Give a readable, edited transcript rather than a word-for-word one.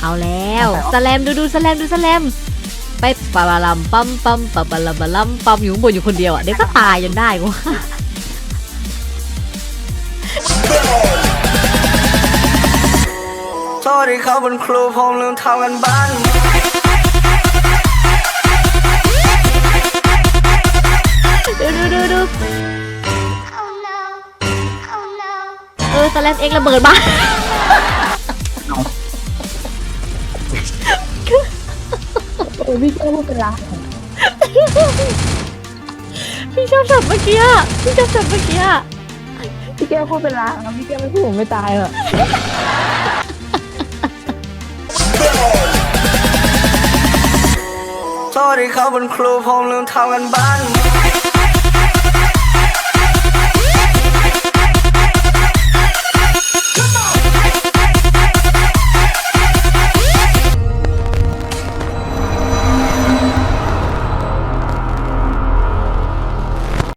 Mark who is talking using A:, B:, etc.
A: เอาแล้วสแลมดูสแลมไปปะบาลัมปั๊มปะบาลัมบาลัมปั๊มอยู่ข้างบนอยู่คนเดียวอ่ะเดี๋ยวก็ตายจนได้กู
B: โทษที่เขาเป็นครูผมลืมทำกันบ้าน
A: ดูสแลมเอ็กระเบิดบ้าน
C: พี่แก้วพูดเป็นไร
A: พี่ชอบสับเมื่อกี้พี่แก้วพูดเป็นไร
C: พี่แก้วไม่พูดผมไม่ตายหรอก
B: โทษที่เขาเป็นครูผมลืมทำกันบ้าน